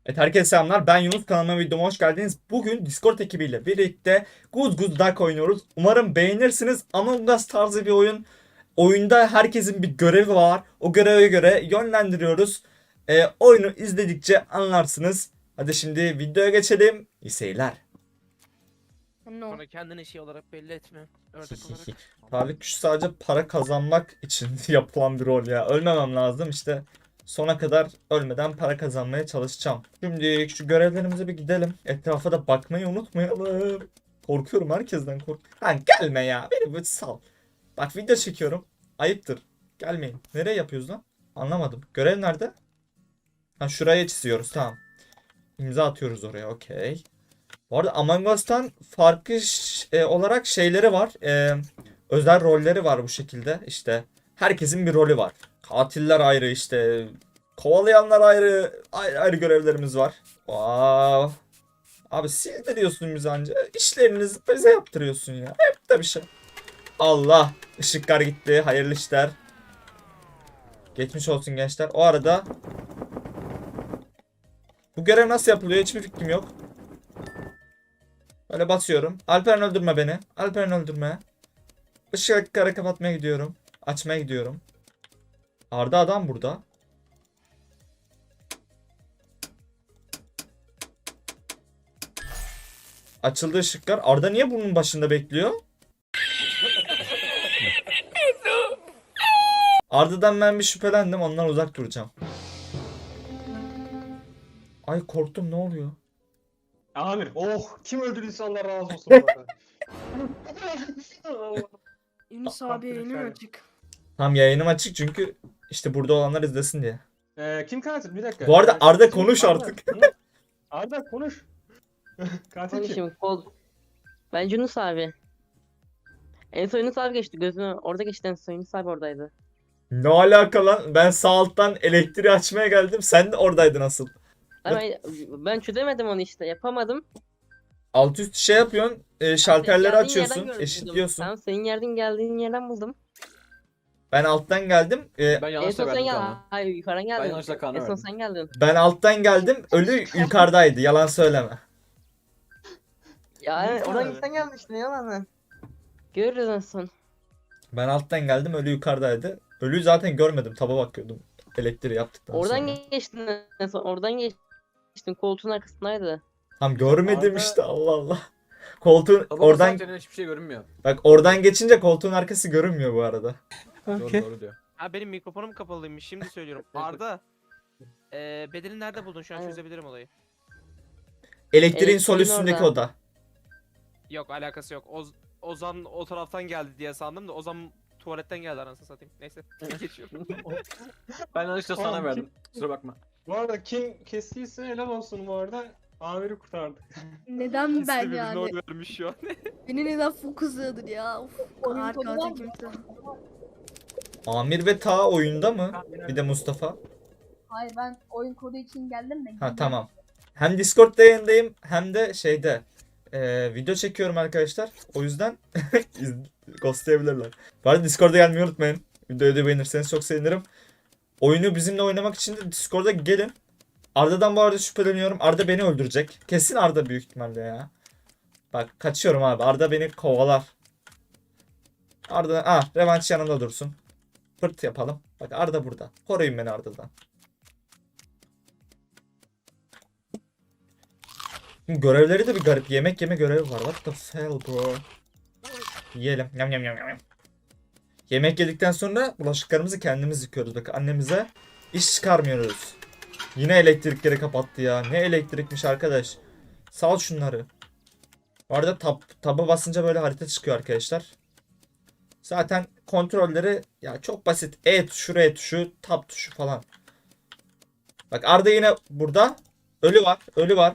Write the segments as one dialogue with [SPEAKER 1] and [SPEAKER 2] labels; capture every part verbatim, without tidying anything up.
[SPEAKER 1] Evet, herkese selamlar. Ben Yunus, kanalıma videoma hoş geldiniz. Bugün Discord ekibiyle birlikte Guz Guz Duck oynuyoruz. Umarım beğenirsiniz. Among Us tarzı bir oyun. Oyunda herkesin bir görevi var. O göreve göre yönlendiriyoruz. Ee, oyunu izledikçe anlarsınız. Hadi şimdi videoya geçelim. İyi seyirler.
[SPEAKER 2] No.
[SPEAKER 3] Sonra kendini şey olarak belli etme. Ördek olarak.
[SPEAKER 1] Tarih güç sadece para kazanmak için yapılan bir rol ya. Ölmemem lazım işte. Sona kadar ölmeden para kazanmaya çalışacağım. Şimdi şu görevlerimize bir gidelim. Etrafa da bakmayı unutmayalım. Korkuyorum, herkesten kork. Ha, gelme ya. Beni bir sal. Bak, video çekiyorum. Ayıptır. Gelmeyin. Nereye yapıyoruz lan? Anlamadım. Görev nerede? Ha, şuraya çiziyoruz. Tamam. İmza atıyoruz oraya. Okey. Bu arada Among Us'tan farklı ş- e, olarak şeyleri var. E, özel rolleri var bu şekilde. İşte herkesin bir rolü var. Katiller ayrı, işte kovalayanlar ayrı, ayrı, ayrı görevlerimiz var. Wow. Abi sildiriyorsun bizi anca. İşlerinizi bize yaptırıyorsun ya. Hep de bir şey. Allah. Işıklar gitti. Hayırlı işler. Geçmiş olsun gençler. O arada bu görev nasıl yapılıyor hiçbir fikrim yok. Böyle basıyorum. Alperen öldürme beni. Alperen öldürme. Işıkları kapatmaya gidiyorum. Açmaya gidiyorum. Arda adam burada. Açıldı ışıklar. Arda niye bunun başında bekliyor? Arda'dan ben bir şüphelendim. Ondan uzak duracağım. Ay korktum, ne oluyor?
[SPEAKER 4] Amir, oh kim öldürdüyse Allah razı olsun bu arada. Allah.
[SPEAKER 2] Yunus
[SPEAKER 4] Bak,
[SPEAKER 2] abi
[SPEAKER 4] bak,
[SPEAKER 2] yayınım
[SPEAKER 4] şöyle.
[SPEAKER 2] açık.
[SPEAKER 1] Tam yayınım açık çünkü işte burada olanlar izlesin diye.
[SPEAKER 4] Ee, kim katil? Bir dakika.
[SPEAKER 1] Bu arada
[SPEAKER 4] Ee,
[SPEAKER 1] Arda
[SPEAKER 4] kim-
[SPEAKER 1] konuş
[SPEAKER 4] Arda,
[SPEAKER 1] artık.
[SPEAKER 4] hı? Arda konuş. Katil kim?
[SPEAKER 5] Konuşayım kol. Ben Yunus abi. En son Yunus abi geçti gözünü. Orada geçti en son Yunus abi oradaydı.
[SPEAKER 1] Ne alaka lan? Ben sağ alttan elektriği açmaya geldim. Sen de oradaydın asıl.
[SPEAKER 5] Ama ben, ben çözemedim onu işte yapamadım.
[SPEAKER 1] Alt üst şey yapıyorsun. E,
[SPEAKER 5] Senin
[SPEAKER 1] şalterleri
[SPEAKER 5] geldiğin
[SPEAKER 1] açıyorsun.
[SPEAKER 5] yerden gördüm.
[SPEAKER 1] Eşitliyorsun.
[SPEAKER 5] Tamam senin yerden geldiğin yerden buldum.
[SPEAKER 1] Ben alttan geldim. E,
[SPEAKER 6] Ben
[SPEAKER 5] En
[SPEAKER 6] yanlışla
[SPEAKER 5] son sen
[SPEAKER 6] verdim
[SPEAKER 5] gel.
[SPEAKER 6] Kaan'a.
[SPEAKER 5] Hayır yukarıdan geldin.
[SPEAKER 6] yanlışla Kaan'a
[SPEAKER 5] En son
[SPEAKER 6] verdim.
[SPEAKER 5] sen geldin.
[SPEAKER 1] Ben alttan geldim. Ölü yukarıdaydı. Yalan söyleme.
[SPEAKER 5] Ya evet,
[SPEAKER 4] Yunus
[SPEAKER 5] oradan
[SPEAKER 4] abi.
[SPEAKER 5] sen geldin işte yalan. Görürüz en son.
[SPEAKER 1] Ben alttan geldim. Ölü yukarıdaydı. Ölüyü zaten görmedim. Taba bakıyordum. Elektriği yaptıktan
[SPEAKER 5] Oradan
[SPEAKER 1] sonra.
[SPEAKER 5] geçtin en son. Oradan geçtin. Koltuğun arkasındaydı.
[SPEAKER 1] Tam görmedim
[SPEAKER 4] Arda-
[SPEAKER 1] işte, Allah Allah. Koltuğun
[SPEAKER 6] Tabii
[SPEAKER 1] oradan
[SPEAKER 6] oradan hiçbir şey görünmüyor.
[SPEAKER 1] bak, oradan geçince koltuğun arkası görünmüyor bu arada.
[SPEAKER 6] Doğru doğru diyor.
[SPEAKER 3] Ha benim mikrofonum kapalıymış şimdi söylüyorum. Arda. Eee bedeni nerede buldun şu an
[SPEAKER 5] Evet.
[SPEAKER 3] çözebilirim olayı.
[SPEAKER 1] Elektriğin sol
[SPEAKER 5] Elektriğin
[SPEAKER 1] üstündeki
[SPEAKER 5] orada.
[SPEAKER 1] oda.
[SPEAKER 3] Yok alakası yok. Oz Ozan o taraftan geldi diye sandım da Ozan tuvaletten geldi anasını satayım. Neyse geçiyorum.
[SPEAKER 6] Ben yanlışla
[SPEAKER 4] Tamam,
[SPEAKER 6] sana
[SPEAKER 4] kim-
[SPEAKER 6] verdim. Kusura bakma.
[SPEAKER 4] Bu arada kim kestiyse helal olsun bu arada. Amir'i kurtardık.
[SPEAKER 2] Neden
[SPEAKER 3] İkisi de
[SPEAKER 2] ben
[SPEAKER 3] birbirine
[SPEAKER 2] yani?
[SPEAKER 3] oy vermiş şu an.
[SPEAKER 2] Beni neden fokusladır ya? Uf, kar katil kimse.
[SPEAKER 1] Amir ve Ta oyunda mı? Bir de Mustafa.
[SPEAKER 7] Hayır ben oyun kodu için geldim de.
[SPEAKER 1] Ha tamam. Hem Discord'da yayındayım hem de şeyde e, video çekiyorum arkadaşlar. O yüzden iz- ghostlayabilirler. Bu arada Discord'a gelmeyi unutmayın. Videoyu da beğenirseniz çok sevinirim. Oyunu bizimle oynamak için de Discord'a gelin. Arda'dan bu arada şüpheleniyorum. Arda beni öldürecek. Kesin Arda büyük ihtimalle ya. Bak kaçıyorum abi. Arda beni kovalar. Arda, ah, revanş yanımda dursun. Fırt yapalım. Bak Arda burada. Koruyun beni Arda'dan. Şimdi görevleri de bir garip. Yemek yeme görevi var. What the hell bro? Yiyelim. Yam yam yam yam. Yemek yedikten sonra bulaşıklarımızı kendimiz yıkıyoruz. Bak annemize iş çıkarmıyoruz. Yine elektrikleri kapattı ya. Ne elektrikmiş arkadaş. Sal şunları. Bu arada tab, taba basınca böyle harita çıkıyor arkadaşlar. Zaten kontrolleri ya çok basit. E tuşu, R tuşu, tab tuşu falan. Bak Arda yine burada. Ölü var. Ölü var.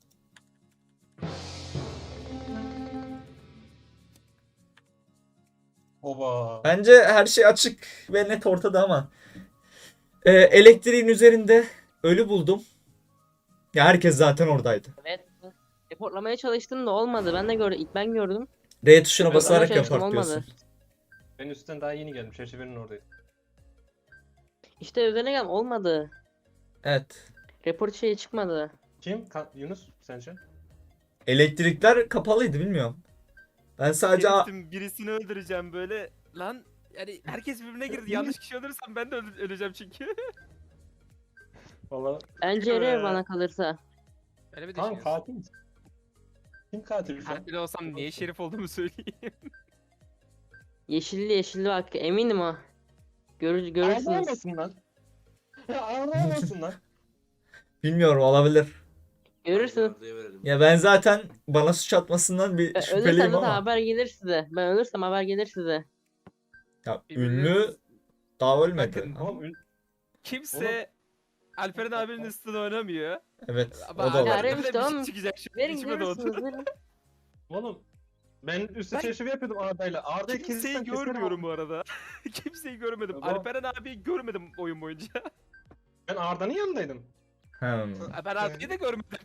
[SPEAKER 4] Oba.
[SPEAKER 1] Bence her şey açık ve net ortada ama. Ee, elektriğin üzerinde ölü buldum. Ya herkes zaten oradaydı.
[SPEAKER 5] Evet. Reportlamaya çalıştım da olmadı. Ben de gördüm. İlk ben gördüm.
[SPEAKER 1] R tuşuna
[SPEAKER 5] Evet,
[SPEAKER 1] basarak
[SPEAKER 5] ama çalıştım,
[SPEAKER 1] yapar diyorsun.
[SPEAKER 5] olmadı.
[SPEAKER 4] Ben üstten daha yeni geldim. Çerçevenin oradaydı.
[SPEAKER 5] İşte üzerine geldim olmadı.
[SPEAKER 1] Evet.
[SPEAKER 5] Report şeyi çıkmadı.
[SPEAKER 4] Kim? Ka- Yunus sence?
[SPEAKER 1] Elektrikler kapalıydı bilmiyorum. Ben sadece a-
[SPEAKER 3] Herifim, birisini öldüreceğim böyle. Lan yani herkes birbirine girdi. Yanlış kişi öldürürsem ben de öl- öleceğim çünkü.
[SPEAKER 4] Valla
[SPEAKER 5] Bence
[SPEAKER 4] Ee,
[SPEAKER 5] Ere bana kalırsa.
[SPEAKER 3] Öyle mi
[SPEAKER 4] tamam
[SPEAKER 3] düşünüyorsun?
[SPEAKER 4] katil misin? Kim katil şu an?
[SPEAKER 3] Katil olsam niye şerif olduğumu söyleyeyim.
[SPEAKER 5] Yeşilli yeşilli bak eminim o. Görür, görürsünüz.
[SPEAKER 4] Ağlamasın lan. Ya ağlamasın lan.
[SPEAKER 1] bilmiyorum, olabilir.
[SPEAKER 5] Görürsünüz.
[SPEAKER 1] Ya ben zaten bana suç atmasından bir
[SPEAKER 5] Ben ölürsem
[SPEAKER 1] şüpheliyim
[SPEAKER 5] zaten
[SPEAKER 1] ama.
[SPEAKER 5] haber gelir size. Ben ölürsem haber gelir size.
[SPEAKER 1] Ya
[SPEAKER 3] Birbirine-
[SPEAKER 1] ünlü daha ölmedi.
[SPEAKER 3] Bakın,
[SPEAKER 1] Ama
[SPEAKER 4] Oğlum ün-
[SPEAKER 3] Kimse Alperen abinin üstüne oynamıyor.
[SPEAKER 1] evet,
[SPEAKER 3] Ama
[SPEAKER 1] o da
[SPEAKER 5] Ya,
[SPEAKER 1] var.
[SPEAKER 3] Alperen'den
[SPEAKER 5] Remiş,
[SPEAKER 3] bir
[SPEAKER 5] tamam
[SPEAKER 3] şey
[SPEAKER 5] mı?
[SPEAKER 3] çıkacak şimdi.
[SPEAKER 5] Verin
[SPEAKER 3] İçime doğdu.
[SPEAKER 5] görürsünüz verin.
[SPEAKER 4] Oğlum ben üstü
[SPEAKER 3] Ben-
[SPEAKER 4] çeşme yapıyordum Arda'yla. Arda'yı
[SPEAKER 3] Kimseyi
[SPEAKER 4] kesirsen keserim
[SPEAKER 3] görmüyorum
[SPEAKER 4] abi.
[SPEAKER 3] bu arada. Kimseyi görmedim.
[SPEAKER 4] Tamam.
[SPEAKER 3] Alperen abiyi görmedim oyun boyunca.
[SPEAKER 4] Ben Arda'nın yanındaydım.
[SPEAKER 1] Hmm.
[SPEAKER 3] Ben abiyi de görmedim.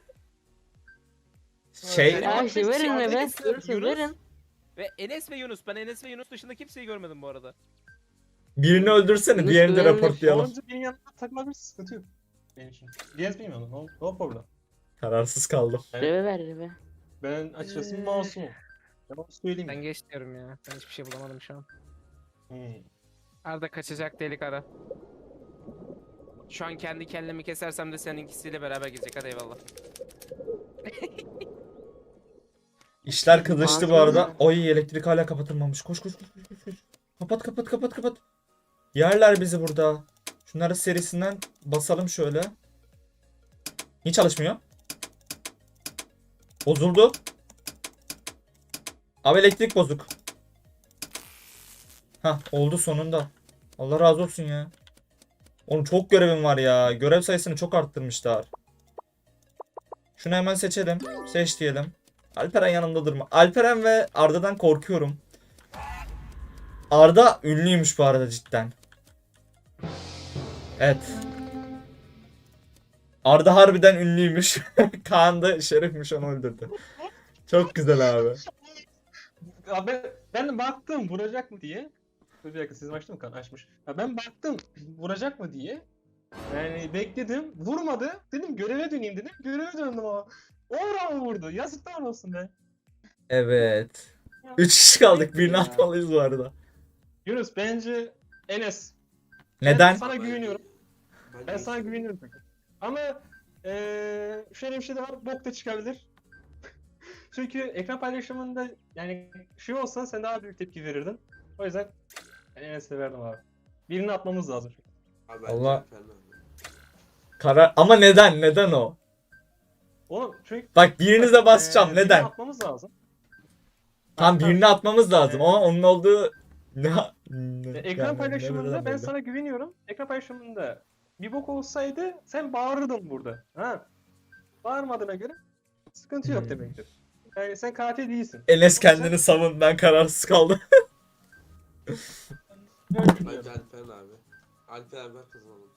[SPEAKER 1] Şey,
[SPEAKER 3] Yani-
[SPEAKER 5] Ya işte verin
[SPEAKER 3] Yunus-
[SPEAKER 5] be. Görürsünüz
[SPEAKER 3] Yunus-
[SPEAKER 5] verin.
[SPEAKER 3] Ve Enes ve Yunus. Ben Enes ve Yunus dışında kimseyi görmedim bu arada.
[SPEAKER 1] birini öldürsene,
[SPEAKER 5] Yunus
[SPEAKER 1] diğerini de
[SPEAKER 5] güvenli.
[SPEAKER 1] raporlayalım.
[SPEAKER 4] Sonuncu benim yanımda takılabilir, sıkıntı yok. Benim için. Diyez bilmiyorum. No, no problem.
[SPEAKER 1] Kararsız kaldım.
[SPEAKER 4] Evet.
[SPEAKER 5] Reve ver reve.
[SPEAKER 4] Ben açıkçası
[SPEAKER 3] Ee.
[SPEAKER 4] masumum. Ben onu söyleyeyim.
[SPEAKER 3] Ben geç diyorum ya. Ben hiçbir şey bulamadım şu an.
[SPEAKER 4] Hmm.
[SPEAKER 3] Arda kaçacak delik ara. Şu an kendi kellemi kesersem de seninkisiyle beraber gidecek. Hadi eyvallah.
[SPEAKER 1] İşler kızıştı bu
[SPEAKER 5] Ağzını-
[SPEAKER 1] arada. Oy, elektrik hala kapatılmamış. Koş koş koş koş koş, koş. Kapat kapat kapat kapat. Yerler bizi burada. Şunları serisinden basalım şöyle. Niye çalışmıyor? Bozuldu. Abi elektrik bozuk. Hah, oldu sonunda. Allah razı olsun ya. Oğlum çok görevim var ya. Görev sayısını çok arttırmışlar. Şunu hemen seçelim. Seç diyelim. Alperen yanımda durma. Alperen ve Arda'dan korkuyorum. Arda ünlüymüş bu arada cidden. Evet. Arda harbiden ünlüymüş. Kaan da şerifmiş, onu öldürdü. Çok güzel abi.
[SPEAKER 4] Abi ben de baktım vuracak mı diye. Dur bir dakika, sizin açtı mı kan? Açmış. Ya ben baktım vuracak mı diye. Yani bekledim. Vurmadı. Dedim göreve döneyim dedim. Göreve döndüm ama. Orhan mı vurdu? Yazıklar olsun be.
[SPEAKER 1] Evet. Üç kişi kaldık. Birini atmalıyız bu arada.
[SPEAKER 4] Yunus bence Enes. Ben
[SPEAKER 1] Neden?
[SPEAKER 4] sana güveniyorum. Ben sana güveniyorum peki. Ama eee şöyle bir şey de var. Bok da çıkabilir. Çünkü ekran paylaşımında yani şey olsa sen daha büyük tepki verirdin. O yüzden ben Enes'e verdim abi. Birini atmamız lazım.
[SPEAKER 1] Allah. Karar ama neden? Neden o?
[SPEAKER 4] Oğlum çünkü
[SPEAKER 1] Bak birinize basacağım.
[SPEAKER 4] eee, birini
[SPEAKER 1] Neden?
[SPEAKER 4] atmamız lazım.
[SPEAKER 1] Tam birini atmamız lazım ama onun olduğu ne?
[SPEAKER 4] E, Ekran paylaşımında ben sana güveniyorum. Ekran paylaşımında bir bok olsaydı sen bağırırdın burada. Ha? Bağırmadığına göre sıkıntı yok
[SPEAKER 1] Hmm.
[SPEAKER 4] demektir. Yani sen katil değilsin.
[SPEAKER 1] Enes kendini savun, ben kararsız kaldım.
[SPEAKER 4] Öyle düşünüyorum.
[SPEAKER 8] Bence Alperen abi. Alperen ben kazanalım.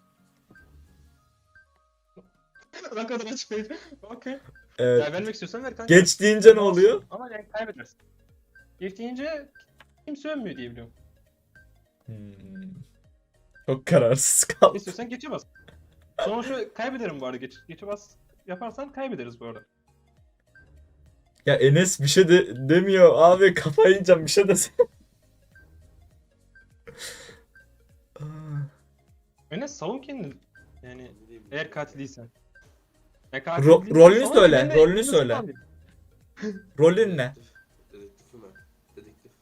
[SPEAKER 4] Ne kadar açıklayıcı. Okey.
[SPEAKER 1] Evet.
[SPEAKER 4] Ya vermek istiyorsan ver kanka.
[SPEAKER 1] Geç deyince ne oluyor?
[SPEAKER 4] Ama yani kaybedersin. Geç deyince kimse ölmüyor diye biliyorum.
[SPEAKER 1] Hmm. Çok kararsız kaldım.
[SPEAKER 4] İstiyorsan geçe bas. Sonuçta kaybederim bu arada. Geç, geçe bas yaparsan kaybederiz bu arada.
[SPEAKER 1] Ya Enes bir şey de demiyor abi, kafayı yiyeceğim, bir şey desene. Aa,
[SPEAKER 4] Enes savun kendini. Yani
[SPEAKER 8] Ne bileyim.
[SPEAKER 4] eğer katil değilsen. Ya
[SPEAKER 1] Ro-
[SPEAKER 4] değilsen
[SPEAKER 1] rolünü
[SPEAKER 4] savun,
[SPEAKER 1] söyle,
[SPEAKER 4] ben de
[SPEAKER 1] rolünü
[SPEAKER 4] Yunus'u
[SPEAKER 1] söyle.
[SPEAKER 4] alayım.
[SPEAKER 1] Rolün ne?
[SPEAKER 8] Dedektif. Dedektifim ben. Dedektif.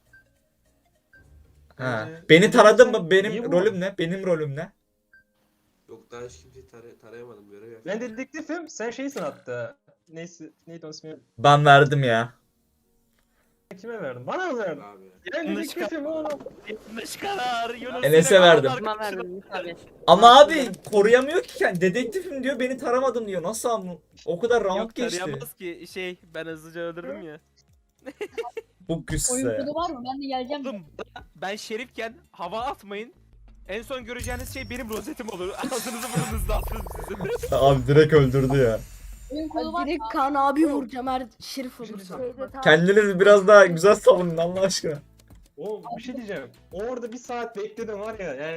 [SPEAKER 1] Ha.
[SPEAKER 4] Bence-
[SPEAKER 1] Beni taradın mı?
[SPEAKER 4] Niye
[SPEAKER 1] Benim
[SPEAKER 4] bu?
[SPEAKER 1] rolüm ne? Benim rolüm ne?
[SPEAKER 8] Yok daha hiç kimseyi taray tarayamadım. Görev yaptım.
[SPEAKER 4] Ben dedektifim, sen şeysin hatta. Neyse, neydi onun ismi?
[SPEAKER 1] Ben verdim ya.
[SPEAKER 4] Kime verdin? Bana mı verdin?
[SPEAKER 8] Abi.
[SPEAKER 4] Ben
[SPEAKER 3] Yanlış
[SPEAKER 4] dedektifim oğlum.
[SPEAKER 3] Yanlış karar. Yunus
[SPEAKER 1] Enes'e
[SPEAKER 3] yine
[SPEAKER 1] verdim.
[SPEAKER 3] karar
[SPEAKER 5] Kime
[SPEAKER 3] arkadaşına-
[SPEAKER 5] verdin Yunus abi?
[SPEAKER 1] Ama abi koruyamıyor ki kendi. Dedektifim diyor, beni taramadım diyor. Nasıl ama? O kadar round
[SPEAKER 3] Yok
[SPEAKER 1] geçti.
[SPEAKER 3] tarayamaz ki şey ben hızlıca öldürdüm ya.
[SPEAKER 1] Bu
[SPEAKER 7] Oyun
[SPEAKER 1] güçse.
[SPEAKER 7] kodu var mı? Ben de geleceğim.
[SPEAKER 3] Oğlum ben şerifken hava atmayın. En son göreceğiniz şey benim rozetim olur. Ağzınızı burnunuzu dağıtırım sizin.
[SPEAKER 1] Abi direkt öldürdü ya.
[SPEAKER 7] Oyun kodu var
[SPEAKER 2] Ben
[SPEAKER 7] mı?
[SPEAKER 2] direkt Kaan abi vuracağım her şerif olursa.
[SPEAKER 7] Şeyde tamam.
[SPEAKER 1] Kendiniz biraz daha güzel savunun Allah aşkına.
[SPEAKER 4] Oğlum bir şey diyeceğim. Orada bir saat bekledim var ya yani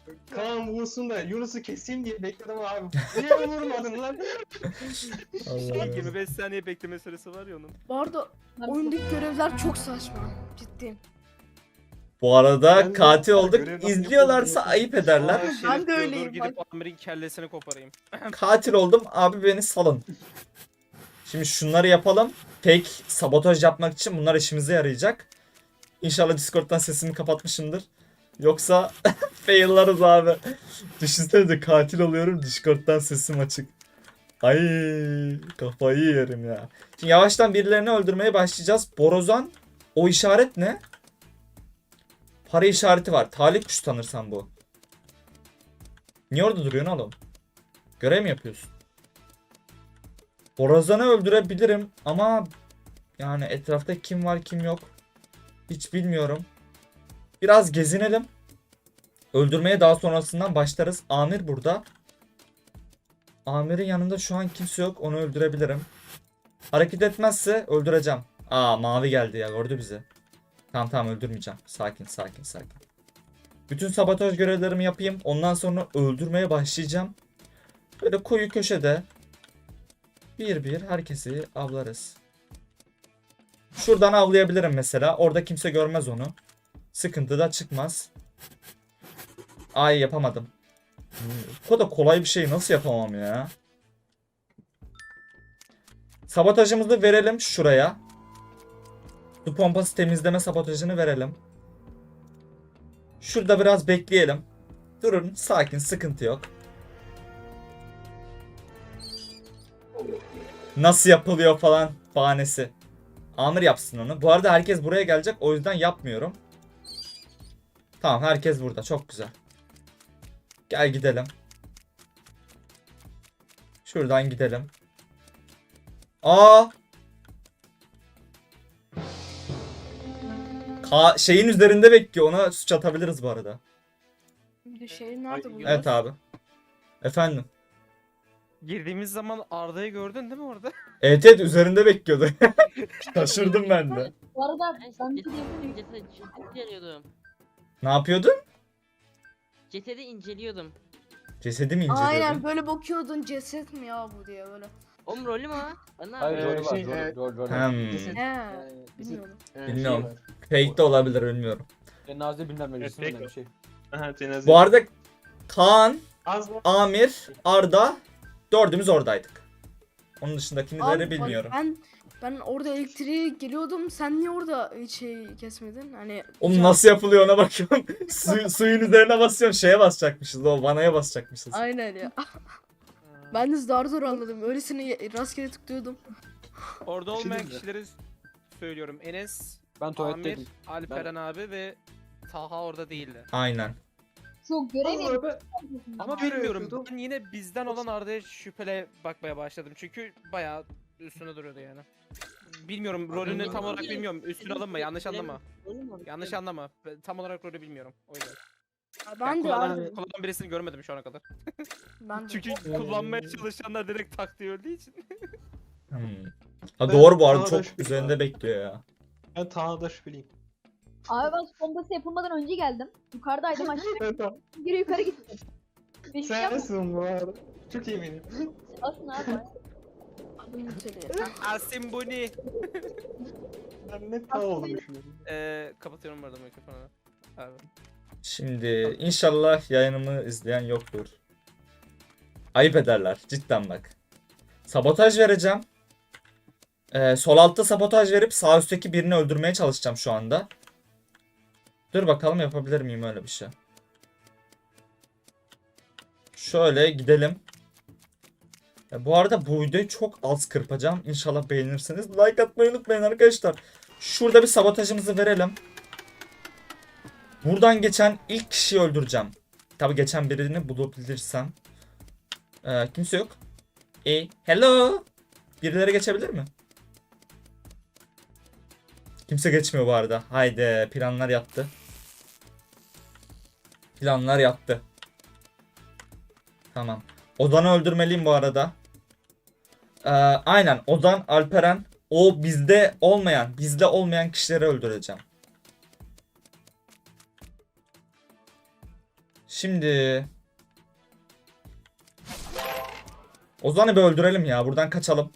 [SPEAKER 4] Kaan vursun da Yunus'u keseyim diye bekledim abi. Niye vurmadın lan?
[SPEAKER 1] Allah.
[SPEAKER 3] yirmi beş saniye bekleme süresi var ya onun.
[SPEAKER 2] Bu arada oyundaki görevler çok saçma. Ciddiyim.
[SPEAKER 1] Bu arada
[SPEAKER 4] Ben de-
[SPEAKER 1] katil olduk.
[SPEAKER 4] Görev-
[SPEAKER 1] İzliyorlarsa ayıp ederler.
[SPEAKER 3] Aa, Şerif
[SPEAKER 2] Ben de
[SPEAKER 3] diyor,
[SPEAKER 2] öyleyim,
[SPEAKER 3] Dur gidip Amir'in kellesini koparayım.
[SPEAKER 1] Katil oldum. Abi beni salın. Şimdi şunları yapalım. Fake sabotaj yapmak için bunlar işimize yarayacak. İnşallah Discord'dan sesimi kapatmışımdır. Yoksa faillarız abi. Düşünsenize katil oluyorum. Discord'dan sesim açık. Ay kafayı yerim ya. Şimdi yavaştan birilerini öldürmeye başlayacağız. Borazan, o işaret ne? Para işareti var. Talih kuş sanırsam bu. Niye orada duruyorsun oğlum? Görev mi yapıyorsun? Borazan'ı öldürebilirim ama yani etrafta kim var kim yok hiç bilmiyorum. Biraz gezinelim. Öldürmeye daha sonrasından başlarız. Amir burada. Amir'in yanında şu an kimse yok. Onu öldürebilirim. Hareket etmezse öldüreceğim. Aa mavi geldi ya, gördü bizi. Tamam tamam öldürmeyeceğim. Sakin sakin sakin. Bütün sabotaj görevlerimi yapayım. Ondan sonra öldürmeye başlayacağım. Böyle koyu köşede bir bir herkesi avlarız. Şuradan avlayabilirim mesela. Orada kimse görmez onu. Sıkıntı da çıkmaz. Ay yapamadım. Bu kadar kolay bir şeyi nasıl yapamam ya? Sabotajımızı verelim şuraya. Su pompası temizleme sabotajını verelim. Şurada biraz bekleyelim. Durun sakin, sıkıntı yok. Nasıl yapılıyor falan bahanesi. Amir yapsın onu. Bu arada herkes buraya gelecek, o yüzden yapmıyorum. Tamam herkes burada, çok güzel. Gel gidelim. Şuradan gidelim. Aa! Ka şeyin üzerinde bekliyor. Ona suç atabiliriz bu arada.
[SPEAKER 2] Bir de şey nerede bu?
[SPEAKER 1] Evet abi. Efendim.
[SPEAKER 3] Girdiğimiz zaman Arda'yı gördün değil mi orada?
[SPEAKER 1] Evet evet üzerinde bekliyordu. Şaşırdım ben de.
[SPEAKER 7] Bu arada
[SPEAKER 5] Ben
[SPEAKER 7] ben bir
[SPEAKER 5] cesedi,
[SPEAKER 7] diyebilirim.
[SPEAKER 5] cesedi, cesedi inceliyordum.
[SPEAKER 1] Ne yapıyordun?
[SPEAKER 5] Cesedi inceliyordum.
[SPEAKER 1] Cesedi mi inceliyordun?
[SPEAKER 2] Aynen böyle bakıyordun, ceset mi ya bu diye böyle.
[SPEAKER 5] Oğlum rolü mü o? Bana
[SPEAKER 6] Hayır
[SPEAKER 4] Ee,
[SPEAKER 6] rolü var.
[SPEAKER 4] şey,
[SPEAKER 6] Rolü,
[SPEAKER 4] e,
[SPEAKER 6] rolü, rolü.
[SPEAKER 1] Hmm.
[SPEAKER 4] Ceset-
[SPEAKER 2] He,
[SPEAKER 4] Ee,
[SPEAKER 2] bilmiyorum.
[SPEAKER 4] Ee,
[SPEAKER 1] Bilmiyorum.
[SPEAKER 4] şey var.
[SPEAKER 1] Fake de olabilir, bilmiyorum.
[SPEAKER 6] Cenaze bilmem meclisinden
[SPEAKER 4] Evet,
[SPEAKER 6] bir şey.
[SPEAKER 4] Aha, cenaze.
[SPEAKER 1] Bu arada Kaan,
[SPEAKER 4] Az mı?
[SPEAKER 1] Amir, Arda dördümüz oradaydık. Onun dışındakileri
[SPEAKER 2] Abi, bak,
[SPEAKER 1] bilmiyorum.
[SPEAKER 2] Ben ben orada elektriğe geliyordum. Sen niye orada hiç şey kesmedin? Hani
[SPEAKER 1] Oğlum nasıl yapılıyor ona bakıyorum. Su, suyun üzerine basıyorsun, şeye basacakmışız. O vanaya basacakmışız.
[SPEAKER 2] Aynen ya. Ben de zar zor anladım. Öylesine rastgele tıklıyordum.
[SPEAKER 3] Orada
[SPEAKER 4] Bir şey
[SPEAKER 3] olmayan
[SPEAKER 4] diyeyim mi?
[SPEAKER 3] kişileri söylüyorum. Enes,
[SPEAKER 6] Ben
[SPEAKER 3] Amir,
[SPEAKER 6] tuvaletteydim.
[SPEAKER 3] Alperen abi ve Taha orada değildi.
[SPEAKER 1] Aynen.
[SPEAKER 7] Şu görev
[SPEAKER 4] Allah be.
[SPEAKER 3] Ama
[SPEAKER 4] Görev
[SPEAKER 3] bilmiyorum.
[SPEAKER 4] yapıyordum.
[SPEAKER 3] Ben yine bizden olan Arda'ya şüphele bakmaya başladım. Çünkü bayağı üstüne duruyordu yani. Bilmiyorum rolünü tam olarak bilmiyorum. Üstüne alınma, yanlış anlama.
[SPEAKER 5] rolü mü?
[SPEAKER 3] Yanlış anlama. Ben tam olarak rolü bilmiyorum. O yüzden.
[SPEAKER 2] Ben
[SPEAKER 3] Yani
[SPEAKER 2] de
[SPEAKER 3] kullanan,
[SPEAKER 2] abi.
[SPEAKER 3] kullanan birisini görmedim şu ana kadar.
[SPEAKER 2] Ben de.
[SPEAKER 3] Çünkü kullanmaya çalışanlar direkt tak diye öldüğü için.
[SPEAKER 1] Hmm. Ha
[SPEAKER 4] Ben
[SPEAKER 1] doğru bu arada
[SPEAKER 4] Taha'da
[SPEAKER 1] çok
[SPEAKER 4] şüphe-
[SPEAKER 1] üzerinde bekliyor ya.
[SPEAKER 4] Ben Taha'da şüpheliyim.
[SPEAKER 7] Abi ben bombası yapılmadan önce geldim. Yukarıdaydım aşağı
[SPEAKER 4] Ben Taha.
[SPEAKER 7] geri yukarı gittim. Bir şey yapmadım
[SPEAKER 4] Sensin bu arada. Çok eminim.
[SPEAKER 7] aslında abi.
[SPEAKER 2] Adım Nutella.
[SPEAKER 3] Asim Buni.
[SPEAKER 4] Ben ne Taha olduğunu düşünüyorum.
[SPEAKER 3] Ee, kapatıyorum bu arada mikrofonu. Abi.
[SPEAKER 1] Şimdi inşallah yayınımı izleyen yoktur. Ayıp ederler cidden bak. Sabotaj vereceğim. Ee, sol altta sabotaj verip sağ üstteki birini öldürmeye çalışacağım şu anda. Dur bakalım yapabilir miyim öyle bir şey. Şöyle gidelim. Ya bu arada bu videoyu çok az kırpacağım. İnşallah beğenirsiniz. Like atmayı unutmayın arkadaşlar. Şurada bir sabotajımızı verelim. Buradan geçen ilk kişiyi öldüreceğim. Tabi geçen birini bulabilirsem. Ee, kimse yok. E, hello. Birileri geçebilir mi? Kimse geçmiyor bu arada. Haydi planlar yattı. Planlar yattı. Tamam. Ozan'ı öldürmeliyim bu arada. Ee, aynen Ozan, Alperen. O bizde olmayan, bizde olmayan kişileri öldüreceğim. Şimdi Ozan'ı bir öldürelim ya. Buradan kaçalım.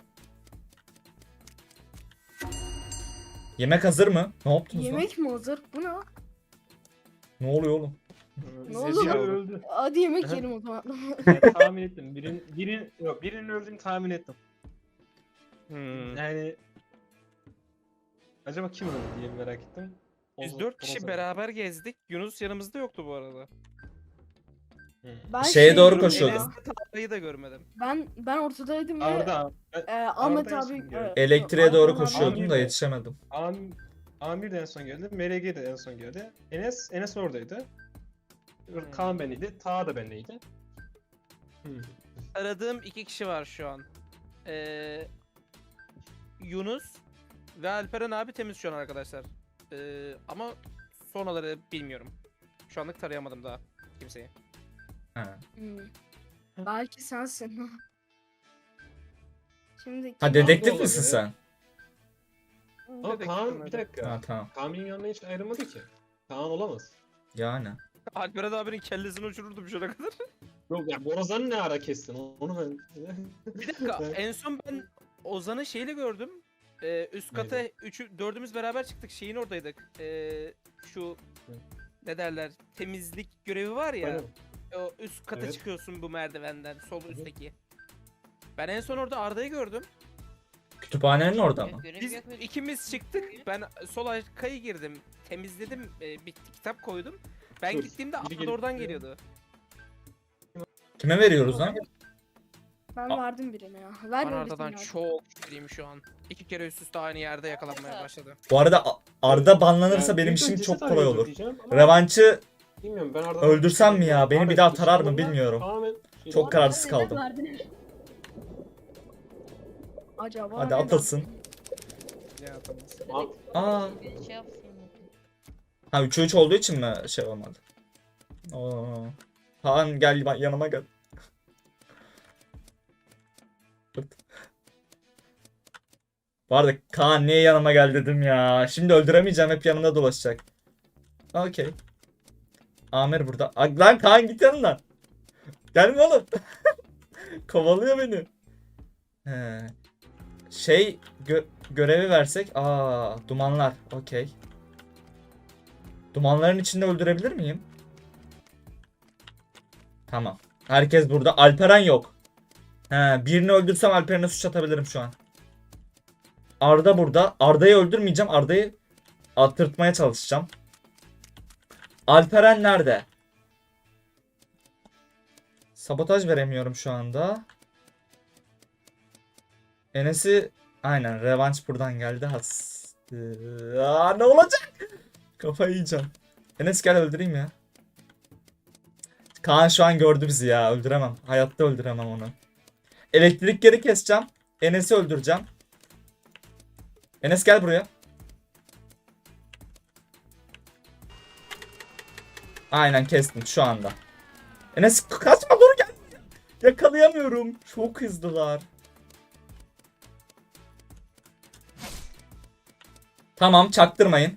[SPEAKER 1] Yemek hazır mı? Ne yaptınız lan?
[SPEAKER 2] Yemek mi hazır? Bu ne?
[SPEAKER 1] Ne oluyor oğlum?
[SPEAKER 2] Ne
[SPEAKER 4] Zezir
[SPEAKER 2] oldu?
[SPEAKER 4] öldü.
[SPEAKER 2] Hadi yemek
[SPEAKER 4] Aha.
[SPEAKER 2] yiyelim o zaman.
[SPEAKER 4] Yani tahmin ettim. Birin, birin, yok, birinin öldüğünü tahmin ettim.
[SPEAKER 3] Hmm.
[SPEAKER 4] Yani acaba kim öldü diye merak ettim.
[SPEAKER 3] Biz
[SPEAKER 4] Ozo-
[SPEAKER 3] dört kişi
[SPEAKER 4] Ozo.
[SPEAKER 3] beraber gezdik. Yunus yanımızda yoktu bu arada.
[SPEAKER 4] Hı.
[SPEAKER 2] Ben
[SPEAKER 1] Şeye
[SPEAKER 2] şey
[SPEAKER 1] doğru
[SPEAKER 2] diyorum
[SPEAKER 1] koşuyordum.
[SPEAKER 2] ya,
[SPEAKER 3] Enes'le Tarlayı da görmedim.
[SPEAKER 2] Ben ben ortadaydım ve
[SPEAKER 4] Arda. Ben-
[SPEAKER 2] e, Ahmet
[SPEAKER 4] Arda'yı
[SPEAKER 2] abi
[SPEAKER 4] şimdi gördüm.
[SPEAKER 2] e,
[SPEAKER 1] Elektriğe
[SPEAKER 2] yok,
[SPEAKER 1] doğru
[SPEAKER 2] Ahmet abi-
[SPEAKER 1] koşuyordum da
[SPEAKER 4] Amir de-
[SPEAKER 1] yetişemedim.
[SPEAKER 4] Am Amir de en son geldi. M R G de en son geldi. Enes Enes oradaydı. Kaan beniydi. Ta da bendeydi. Hı.
[SPEAKER 3] Aradığım iki kişi var şu an. Ee, Yunus ve Alperen abi temiz şu an arkadaşlar. Ee, ama sonraları bilmiyorum. Şu anlık tarayamadım daha kimseyi.
[SPEAKER 1] Ha.
[SPEAKER 2] Hmm. Belki sensin. Şimdi
[SPEAKER 1] Ha
[SPEAKER 2] kim-
[SPEAKER 1] dedektif
[SPEAKER 4] olabilir,
[SPEAKER 1] misin
[SPEAKER 4] evet.
[SPEAKER 1] sen?
[SPEAKER 4] Ama Kaan bir dakika.
[SPEAKER 1] Ha tamam.
[SPEAKER 4] Kaan benim yanına hiç ayrılmadı ki. Kaan olamaz.
[SPEAKER 1] Yani.
[SPEAKER 3] Alperen abinin kellesini uçururdum şu ana kadar.
[SPEAKER 4] Yok ya Borazan'ı ne ara kestin? Onu ben...
[SPEAKER 3] Bir dakika en son ben Ozan'ı şeyle gördüm. Ee, üst kata üçü, dördümüz beraber çıktık. Şeyin oradaydık. Ee, şu ne derler temizlik görevi var ya.
[SPEAKER 4] Aynen.
[SPEAKER 3] O üst kata
[SPEAKER 4] Evet.
[SPEAKER 3] çıkıyorsun bu merdivenden sol üstteki. Ben en son orada Arda'yı gördüm.
[SPEAKER 1] Kütüphanenin orada mı?
[SPEAKER 3] Biz ikimiz çıktık. Ben sol arkayı girdim. Temizledim. E, bir kitap koydum. Ben
[SPEAKER 4] Dur,
[SPEAKER 3] gittiğimde
[SPEAKER 4] biri
[SPEAKER 3] Arda
[SPEAKER 4] gelip-
[SPEAKER 3] oradan geliyordu.
[SPEAKER 1] Kime veriyoruz lan?
[SPEAKER 2] Ben
[SPEAKER 1] Aa.
[SPEAKER 2] verdim birine ya.
[SPEAKER 3] Ben
[SPEAKER 2] Ver
[SPEAKER 3] Arda'dan
[SPEAKER 2] öylesine ya.
[SPEAKER 3] çok şüpheliyim şu an. İki kere üst üste aynı yerde yakalanmaya başladı.
[SPEAKER 1] Bu arada A- Arda banlanırsa
[SPEAKER 4] Yani
[SPEAKER 1] benim
[SPEAKER 4] büyük
[SPEAKER 1] işim
[SPEAKER 4] ölçüsü
[SPEAKER 1] çok
[SPEAKER 4] tabii
[SPEAKER 1] kolay
[SPEAKER 4] olur
[SPEAKER 1] olur.
[SPEAKER 4] diyeceğim ama
[SPEAKER 1] Revanşı
[SPEAKER 4] bilmiyorum, ben Arda'dan-
[SPEAKER 1] öldürsem mi ya? Beni
[SPEAKER 4] Ahmet
[SPEAKER 1] bir daha
[SPEAKER 4] Kılıç
[SPEAKER 1] tarar mı
[SPEAKER 4] Damar'dan
[SPEAKER 1] bilmiyorum.
[SPEAKER 4] tamamen şey-
[SPEAKER 1] Çok kararsız kaldım.
[SPEAKER 2] Acaba
[SPEAKER 1] Hadi
[SPEAKER 2] neden?
[SPEAKER 1] atasın.
[SPEAKER 3] Ya
[SPEAKER 4] Al-
[SPEAKER 1] Aa. Ha üçe üç olduğu için mi şey olmadı? Oo. Kaan gel bak yanıma gel. Fırt. Bu arada Kaan niye yanıma gel dedim ya. Şimdi öldüremeyeceğim, hep yanımda dolaşacak. Okey. Amir burada. Aa, lan Kaan git yanından. Gelme oğlum. Kovalıyor beni. He. Şey gö- görevi versek. Aa, dumanlar. Okey. Dumanların içinde öldürebilir miyim? Tamam. Herkes burada. Alperen yok. He, birini öldürsem Alperen'e suç atabilirim şu an. Arda burada. Arda'yı öldürmeyeceğim. Arda'yı attırtmaya çalışacağım. Alperen nerede? Sabotaj veremiyorum şu anda. Enes'i aynen revanş buradan geldi. Has. Aa, ne olacak? Kafayı yiyeceğim. Enes gel öldüreyim ya. Kaan şu an gördü bizi ya. Öldüremem. Hayatta öldüremem onu. Elektrikleri keseceğim. Enes'i öldüreceğim. Enes gel buraya. Aynen kestim şu anda. Enes kaçma, dur gel. Yakalayamıyorum. Çok hızlılar. Tamam, çaktırmayın.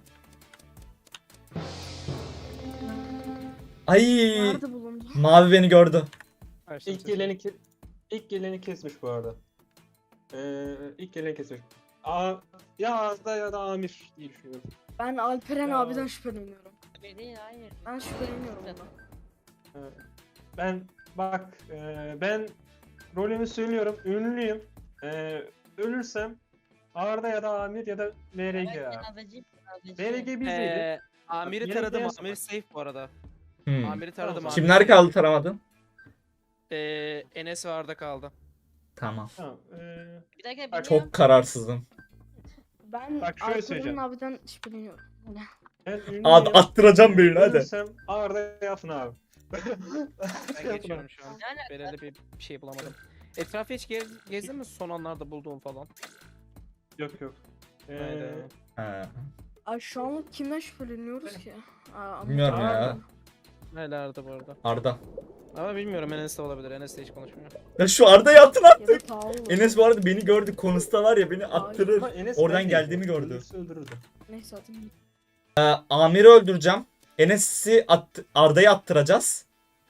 [SPEAKER 1] Ay,
[SPEAKER 2] Nerede bulundu?
[SPEAKER 1] mavi beni gördü.
[SPEAKER 4] İlk geleni ke- ilk geleni kesmiş bu arada. Ee, ilk geleni kesmiş. Aa, ya Arda ya da Amir diye düşünüyorum.
[SPEAKER 2] Ben Alperen
[SPEAKER 4] Ya.
[SPEAKER 2] abiden şüpheleniyorum.
[SPEAKER 5] Değil, hayır.
[SPEAKER 2] Ben şüpheleniyorum ondan.
[SPEAKER 4] Ee, Ben bak e, ben rolümü söylüyorum, ünlüyüm. Ee, ölürsem Arda ya da Amir ya da M R G abi. M R G bizdeydi.
[SPEAKER 3] Ee, Amir'i
[SPEAKER 4] Yine
[SPEAKER 3] taradım.
[SPEAKER 4] beyaz
[SPEAKER 3] Amir
[SPEAKER 4] var.
[SPEAKER 3] safe bu arada.
[SPEAKER 1] Hmm.
[SPEAKER 3] Amir'i taradım.
[SPEAKER 4] Tamam.
[SPEAKER 3] Amir
[SPEAKER 1] Kimler
[SPEAKER 3] safe.
[SPEAKER 1] kaldı taramadın?
[SPEAKER 3] Ee, Enes ve Arda kaldı.
[SPEAKER 1] Tamam.
[SPEAKER 4] Tamam. ee,
[SPEAKER 5] Bir dakika
[SPEAKER 4] Bak,
[SPEAKER 1] Çok kararsızım.
[SPEAKER 2] Ben
[SPEAKER 4] Bak şöyle
[SPEAKER 2] Alperen
[SPEAKER 4] söyleyeceğim.
[SPEAKER 2] abiden şüpheleniyorum. Öyle.
[SPEAKER 4] ben ünlüyüm.
[SPEAKER 1] Abi attıracağım birini hadi.
[SPEAKER 4] Ölürsem Arda yapın abi.
[SPEAKER 3] Ben geçiyorum şu an. Belirli bir bir şey bulamadım. Etrafı hiç gez, gezdin mi son anlarda bulduğum falan?
[SPEAKER 4] Yok yok. Ee,
[SPEAKER 3] Haydi.
[SPEAKER 1] Ha.
[SPEAKER 2] Ay şu an kimden şüpheleniyoruz ki? Aa, Ahmet
[SPEAKER 1] Bilmiyorum
[SPEAKER 2] abi.
[SPEAKER 1] ya.
[SPEAKER 3] Hala Arda bu arada.
[SPEAKER 1] Arda.
[SPEAKER 3] Ama bilmiyorum, Enes de olabilir. Enes de hiç konuşmuyor.
[SPEAKER 1] Ya şu Arda'yı attın
[SPEAKER 2] Ya da
[SPEAKER 1] attık.
[SPEAKER 2] Tağ olur.
[SPEAKER 1] Enes bu arada beni gördü. Konusta var ya, beni attırır.
[SPEAKER 4] ama Enes
[SPEAKER 1] Oradan
[SPEAKER 4] bendeydi.
[SPEAKER 1] geldiğimi gördü.
[SPEAKER 4] Ölürse öldürürdü.
[SPEAKER 2] Neyse atayım.
[SPEAKER 1] Amir'i öldüreceğim. Enes'i at Arda'yı attıracağız.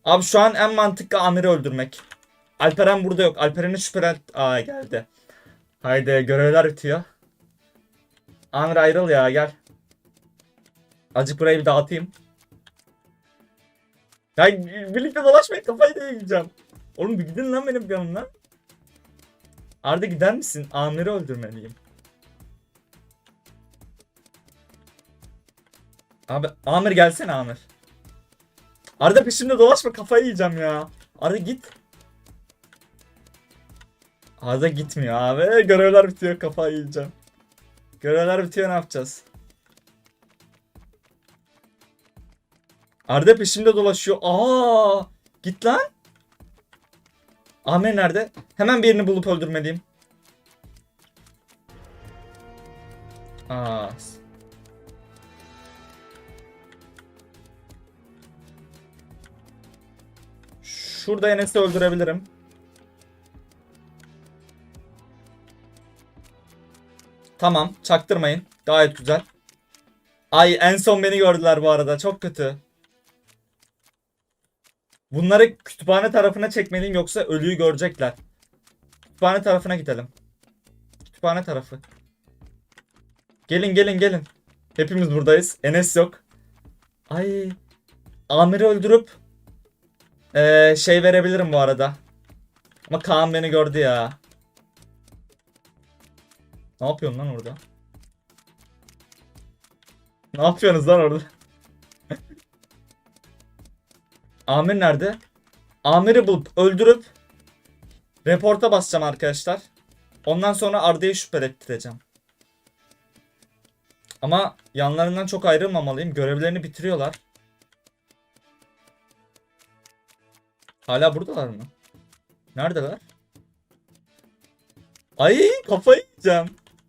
[SPEAKER 1] Abi şu an en mantıklı Amir'i öldürmek. Alperen burada yok. Alperen'i şüphelen... Aa geldi. Haydi görevler bitiyor. Amir ayrıl ya gel. Azıcık burayı bir dağıtayım. Ya birlikte dolaşmayın kafayı da yiyeceğim. Oğlum bir gidin lan benim yanımdan. Arda gider misin? Amir'i öldürmeliyim. Abi Amir gelsene Amir. Arda peşimde dolaşma kafayı yiyeceğim ya. Arda git. Arda gitmiyor abi. Görevler bitiyor kafayı yiyeceğim. Görevler bitiyor ne yapacağız? Arda peşimde dolaşıyor. Aa, git lan. Amir nerede? Hemen birini bulup öldürmeliyim. Aa. Şurada Enes'i öldürebilirim. Tamam, çaktırmayın. Gayet güzel. Ay en son beni gördüler bu arada. Çok kötü. Bunları kütüphane tarafına çekmeliyim yoksa ölüyü görecekler. Kütüphane tarafına gidelim. Kütüphane tarafı. Gelin gelin gelin. Hepimiz buradayız. Enes yok. Ay. Amir'i öldürüp ee, şey verebilirim bu arada. Ama Kaan beni gördü ya. Ne yapıyorsun lan orada? Ne yapıyorsunuz lan orada? Amir nerede? Amir'i bulup öldürüp reporta basacağım arkadaşlar. Ondan sonra Arda'yı şüphelettireceğim. Ama yanlarından çok ayrılmamalıyım. Görevlerini bitiriyorlar. Hala buradalar mı? Neredeler? Ay kafayı yiyeceğim.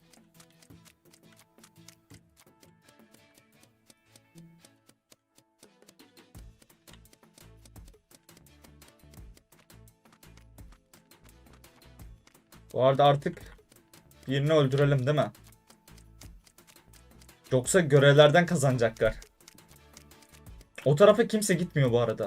[SPEAKER 1] Bu arada artık birini öldürelim değil mi? Yoksa görevlerden kazanacaklar. O tarafa kimse gitmiyor bu arada.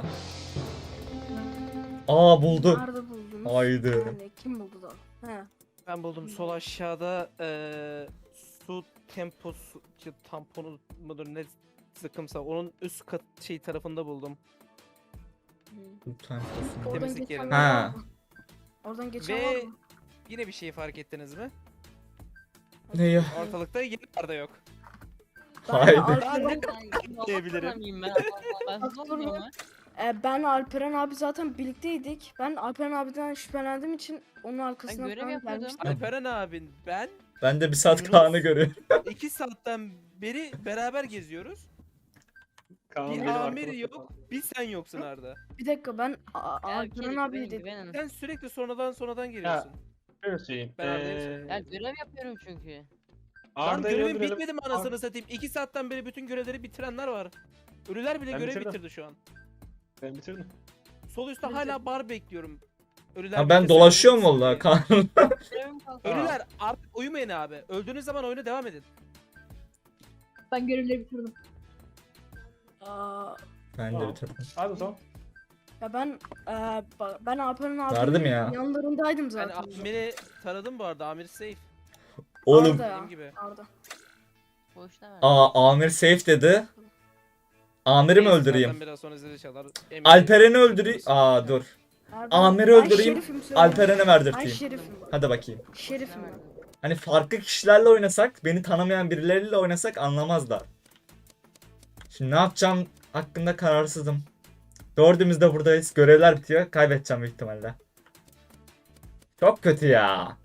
[SPEAKER 1] Aa buldu.
[SPEAKER 2] Nerede buldunuz?
[SPEAKER 1] Haydi.
[SPEAKER 2] Yani kim buldu da? He.
[SPEAKER 3] Ben buldum sol aşağıda eee, su temposu tamponu mudur ne sıkımsa onun üst kat şey tarafında buldum.
[SPEAKER 2] Oradan
[SPEAKER 3] Temizlik
[SPEAKER 2] geçen
[SPEAKER 3] yerinde.
[SPEAKER 2] var
[SPEAKER 1] Ha.
[SPEAKER 2] mı? Oradan geçen
[SPEAKER 3] Ve
[SPEAKER 2] var mı?
[SPEAKER 3] yine bir şey fark ettiniz mi?
[SPEAKER 1] Ne ya?
[SPEAKER 3] Ortalıkta yine Arda yok.
[SPEAKER 1] Haydi.
[SPEAKER 2] Alperen,
[SPEAKER 3] Diyebilirim.
[SPEAKER 5] Ben ben hızlı mıyım ha?
[SPEAKER 2] e, ben Alperen abi zaten birlikteydik. Ben Alperen abiden şüphelendiğim için onun arkasından
[SPEAKER 5] görev
[SPEAKER 2] falan
[SPEAKER 5] yapıyordum.
[SPEAKER 2] gelmiştim.
[SPEAKER 3] Alperen abin ben
[SPEAKER 1] Ben de bir saat
[SPEAKER 3] Yunus.
[SPEAKER 1] Kaan'ı görüyorum.
[SPEAKER 3] iki saatten beri beraber geziyoruz.
[SPEAKER 4] Kaan
[SPEAKER 3] Bir
[SPEAKER 4] benim
[SPEAKER 3] Amir
[SPEAKER 4] arkama-
[SPEAKER 3] yok, bir sen yoksun Arda.
[SPEAKER 2] Bir dakika ben A-
[SPEAKER 5] Ya,
[SPEAKER 2] Alperen
[SPEAKER 5] gelin,
[SPEAKER 2] abi
[SPEAKER 5] güvenin,
[SPEAKER 2] dedim.
[SPEAKER 5] güvenin.
[SPEAKER 3] Sen sürekli sonradan sonradan geliyorsun.
[SPEAKER 4] Şöyle söyleyeyim.
[SPEAKER 3] Ben Arda'yı
[SPEAKER 4] Ee,
[SPEAKER 5] Ya görev yapıyorum çünkü.
[SPEAKER 3] Lan
[SPEAKER 4] Arda'yı
[SPEAKER 3] görevin
[SPEAKER 4] öldürelim.
[SPEAKER 3] bitmedi mi anasını satayım? iki saatten beri bütün görevleri bitirenler var. Ölüler bile
[SPEAKER 4] Ben
[SPEAKER 3] görev
[SPEAKER 4] bitirdim.
[SPEAKER 3] bitirdi şu an.
[SPEAKER 4] Ben bitirdim.
[SPEAKER 3] Sol üstte hala bar bekliyorum. Ölüler
[SPEAKER 1] Ha ben
[SPEAKER 3] bitirse
[SPEAKER 1] dolaşıyorum
[SPEAKER 3] görevim
[SPEAKER 1] vallahi
[SPEAKER 3] bitsin
[SPEAKER 1] Kaan.
[SPEAKER 5] Görevim kaldı.
[SPEAKER 3] diye. Ölüler artık uyumayın abi. Öldüğünüz zaman oyuna devam edin.
[SPEAKER 7] Ben görevleri bitirdim.
[SPEAKER 2] Aa,
[SPEAKER 1] Ben de
[SPEAKER 4] Tamam.
[SPEAKER 1] bitirdim.
[SPEAKER 4] Hadi o zaman.
[SPEAKER 2] ya ben e, ba- ben Alperen abinin
[SPEAKER 1] Verdim ya.
[SPEAKER 2] yanlarındaydım
[SPEAKER 3] Ben
[SPEAKER 2] zaten.
[SPEAKER 3] Amir'i taradım bu arada. Amir safe.
[SPEAKER 1] Oğlum.
[SPEAKER 2] Arda ya,
[SPEAKER 3] Dediğim gibi.
[SPEAKER 2] Arda.
[SPEAKER 5] Boşta ver.
[SPEAKER 1] Aa Amir safe dedi. Amir'i mi
[SPEAKER 3] Neyse,
[SPEAKER 1] öldüreyim?
[SPEAKER 3] zaten Biraz sonra zili çalar. Eminim.
[SPEAKER 1] Alperen'i öldüreyim. Aa dur.
[SPEAKER 2] Arda.
[SPEAKER 1] Amir'i
[SPEAKER 2] Ben
[SPEAKER 1] öldüreyim.
[SPEAKER 2] şerifim, söyle.
[SPEAKER 1] Alperen'e
[SPEAKER 2] Ben
[SPEAKER 1] verdirteyim.
[SPEAKER 2] şerifim. bak.
[SPEAKER 1] Hadi bakayım.
[SPEAKER 2] Şerifim ben.
[SPEAKER 1] Hani farklı kişilerle oynasak, beni tanımayan birileriyle oynasak anlamazlar. Şimdi ne yapacağım hakkında kararsızım. Dördümüz de buradayız. Görevler bitiyor. Kaybedeceğim büyük ihtimalle. Çok kötü ya.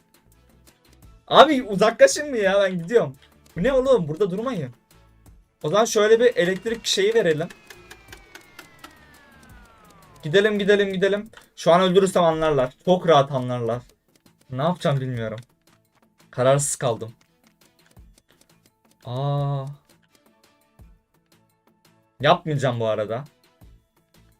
[SPEAKER 1] Abi uzaklaşın mı ya? Ben gidiyorum. Bu ne oğlum? Burada durmayın. O zaman şöyle bir elektrik şeyi verelim. Gidelim gidelim gidelim. Şu an öldürürsem anlarlar. Çok rahat anlarlar. Ne yapacağım bilmiyorum. Kararsız kaldım. Aa. Yapmayacağım bu arada.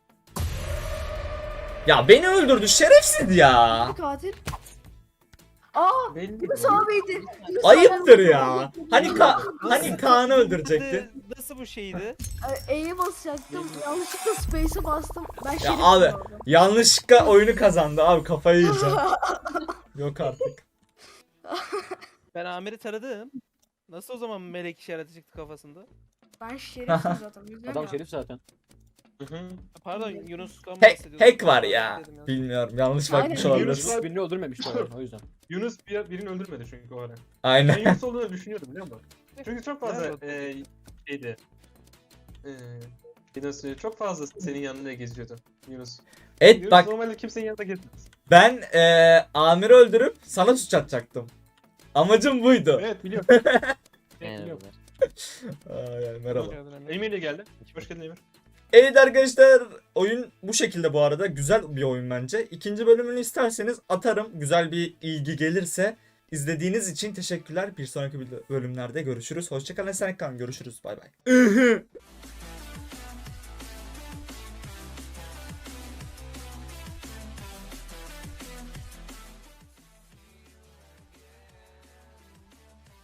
[SPEAKER 1] Ya beni öldürdü şerefsiz ya.
[SPEAKER 2] Bir katil. Aa
[SPEAKER 4] Belli
[SPEAKER 2] Yunus
[SPEAKER 4] değil.
[SPEAKER 2] abiydi. Yunus
[SPEAKER 1] Ayıptır
[SPEAKER 2] abi-
[SPEAKER 1] ya. Hani ka hani Kaan'ı öldürecekti.
[SPEAKER 3] Nasıl bu şeydi?
[SPEAKER 2] E, E'ye basacaktım. Yanlışlıkla space'e bastım. Ben şerif
[SPEAKER 1] abi.
[SPEAKER 2] vardı.
[SPEAKER 1] Yanlışlıkla oyunu kazandı abi, kafayı yiyeceğim. Yok artık.
[SPEAKER 3] Ben Amir'i taradım. Nasıl o zaman melek işareti çıktı kafasında?
[SPEAKER 2] Ben şerifim zaten. Bilmiyorum
[SPEAKER 6] Adam
[SPEAKER 2] ya.
[SPEAKER 6] şerif zaten.
[SPEAKER 4] Hı hı.
[SPEAKER 3] Pardon Yunus'tan
[SPEAKER 1] Hack,
[SPEAKER 3] bahsediyordum.
[SPEAKER 1] hack var ya.
[SPEAKER 3] Dedim ya.
[SPEAKER 1] Bilmiyorum, yanlış
[SPEAKER 2] Aynen,
[SPEAKER 1] bakmış
[SPEAKER 2] Yunus
[SPEAKER 1] olabiliriz.
[SPEAKER 4] var.
[SPEAKER 6] Birini öldürmemişti o o yüzden.
[SPEAKER 4] Yunus bir, birini öldürmedi çünkü o ara. Ben
[SPEAKER 1] Aynen.
[SPEAKER 4] Yunus olduğunu düşünüyordum biliyor musun? Çünkü çok fazla
[SPEAKER 3] Nerede?
[SPEAKER 4] e, şeydi. E, nasıl çok fazla senin yanında geziyordu Yunus.
[SPEAKER 1] Evet
[SPEAKER 4] Yunus
[SPEAKER 1] bak,
[SPEAKER 4] normalde kimsenin yanında gezmez.
[SPEAKER 1] ben eee Amir'i öldürüp sana suç atacaktım. Amacım buydu.
[SPEAKER 4] Evet biliyorum. Evet, biliyorum.
[SPEAKER 1] Aa, yani merhaba.
[SPEAKER 3] Hoş geldin Emir.
[SPEAKER 4] Emir de geldi. Hoş geldin Emir.
[SPEAKER 1] Evet arkadaşlar, oyun bu şekilde bu arada. Güzel bir oyun bence. İkinci bölümünü isterseniz atarım. Güzel bir ilgi gelirse. İzlediğiniz için teşekkürler. Bir sonraki bölümlerde görüşürüz. Hoşçakalın. Esen kalın. Görüşürüz. Bay bay.